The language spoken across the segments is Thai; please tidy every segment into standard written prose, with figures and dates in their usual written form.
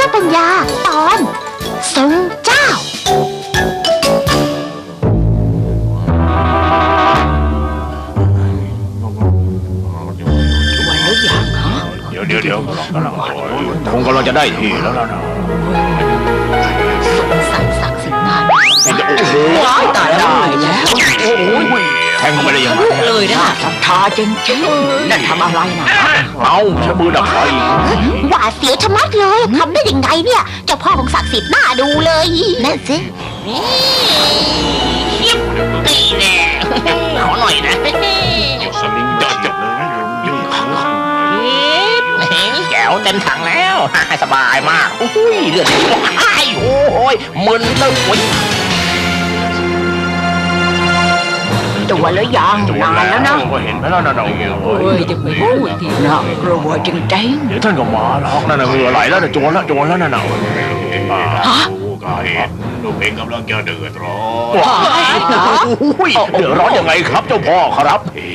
จ้าปัญญาตอนทรงเจ้าวันแล้วยังฮะเดี๋ยวคงกำลังจะได้ที่แล้วนะสงสัยศักดิ์สิทธิ์นานโอ้โหว้ายตายได้แล้วโอ้โหแทงเข้าไปได้ยังไงเลยนะศรัทธาจริงๆนั่นทำอะไรนะเอาใช้มือดับไฟหวาดเสียวชะมัดเลยทำได้ยังไงเนี่ยเจ้าพ่อของศักดิ์สิทธิ์น่าดูเลยนั่นสินี่แน่ขอหน่อยนะสลิงจัดเลยแก้วเต็มถังแล้วสบายมากอุ้ยเลือดโอ้ยมึนเลยตัวแล้วยังนานแล้วนะเห็นไหมล่ะนั่นเฮ้ยจะไปพูดทีน่ากลัวจริงเดี๋ยวท่านก็มาหรอกนั่นเหงื่อไหลแล้วนะโจรแล้วนั่นน่ะๆฮะก็เห็นลูกเองกำลังจะเดือดร้อนว้ายเหรอเดือดร้อนยังไงครับเจ้าพ่อครับ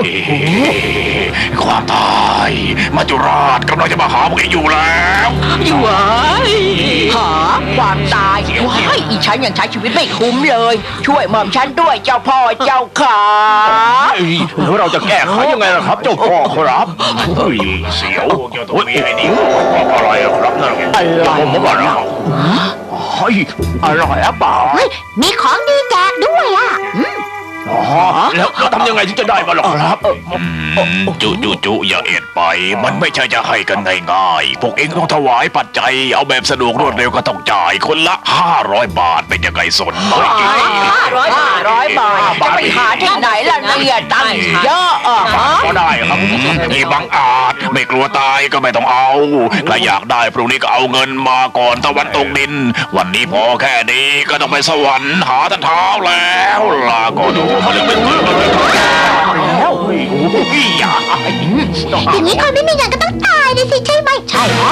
ความตายมัจจุราชกำลังจะมาหาพวกเองอยู่แล้วอยู่เว้ยหาความตายว้ายอีฉันยังใช้ชีวิตไม่คุ้มเลย ช่วยหม่อมฉันด้วยเจ้าพ่อเจ้าขาแล้วเราจะแก้ไขยังไงล่ะครับเจ้าพ่อครับเสียวอะไรครับนั่นผมบอกแล้วเฮ้ยอร่อยหรือเปล่าเฮ้ยมีของดีแจกด้วยอ่ะอ๋อแล้วทำยังไงถึงจะได้มาหรอครับจุอย่าเอ็ดไปมันไม่ใช่จะให้กันง่ายๆพวกเองต้องถวายปัจจัยเอาแบบสะดวกรวดเร็วก็ต้องจ่ายคนละ500 บาทเป็นยังไงสนไหม 500 บาทจะไปหาที่ไหนล่ะเนี่ยตังค์เยอะฮะก็ได้ครับนี่บังอาจไม่กลัวตายก็ไม่ต้องเอาถ้าอยากได้พรุ่งนี้ก็เอาเงินมาก่อนตะวันตกดิน วันนี้พอแค่นี้ก็ต้องไปสวรรค์หาท่านเท้าแล้วลาก็ดูเขาเลยไม่ตื่นเลยแล้วอย่าอย่างนี้คนไม่มีเงินก็ต้องตายเลยสิใช่ไหมใช่ฮะ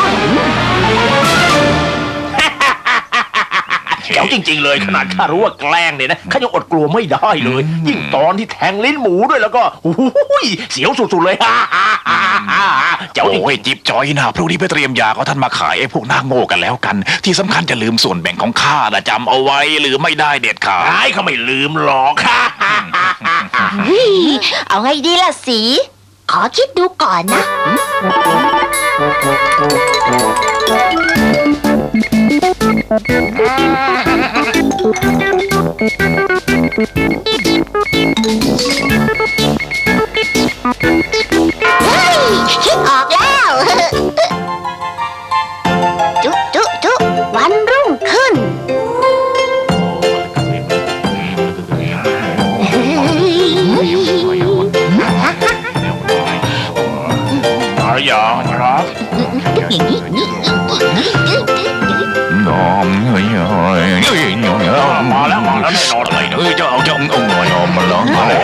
แจ๋วจริงๆเลยขนาดข้ารู้ว่าแกล้งเนี่ยนะข้ายังอดกลัวไม่ได้เลย ยิ่งตอนที่แทงลิ้นหมูด้วยแล้วก็เสียวสุดๆเลยเจ๋วโอ้ยจิ๊บจอยนะพรุ่งนี้ไปเตรียมยาเขาท่านมาขายไอ้พวกหน้าโง่กันแล้วกัน ที่สำคัญจะลืมส่วนแบ่งของข้านะจำเอาไว้หรือไม่ได้เด็ดขาดเขาไม่ลืมหรอกเอาไงดีล่ะสีขอคิดดูก่อนนะเฮ้ยคิดออกแล้วจุวันรุ่งขึ้นอะไรอย่างครับน้อมเฮ้ยมาแล้วแน่นอนเลยเจ้าหน่อยมาแล้วมาแล้ว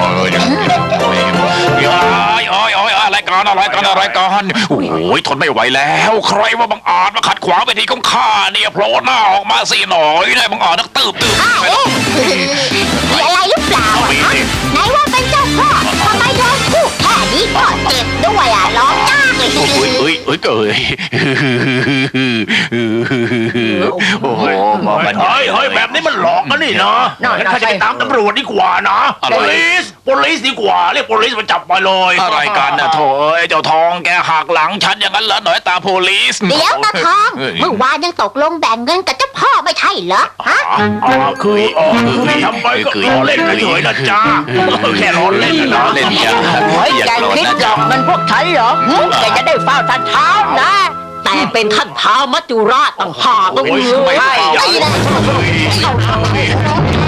อะไรกันโอ้ยทนไม่ไหวแล้วใครว่าบังอาจมาขัดขวางเวทีของข้าเนี่ยโผล่หน้าออกมาสิหน่อยได้บังอาจนักตืบมีอะไรหรือเปล่าไหนว่าเป็นเจ้าพ่อทำไมโดนพูดแค่นี้ก็เจ็บด้วยอ่ะร้องจ้าเลยเกยโอ้โหเฮ้ยแบบนี้มันหลอกกันนี่นะงั้นข้าจะไปตามตำรวจดีกว่านะpolice ดีกว่าเรียก police มาจับมาเลยอะไรกันนะโถเจ้าทองแกหักหลังฉันอย่างนั้นเหรอหน่อยตา police เดี๋ยวตาทองเมื่อวานยังตกลงแบ่งเงินกับเจ้าพ่อไม่ใช่เหรอฮะคือทำไปก็ล้อเล่นเฉยๆนะจ้าแค่ล้อเล่นนะโอ้ยแกคิดหลอกเงินพวกฉันเหรอแกจะได้เฝ้าท่านเท้านะ แต่เป็นท่านเท้ามัจจุราชต่างหากก็คือไม่ใช่ใช่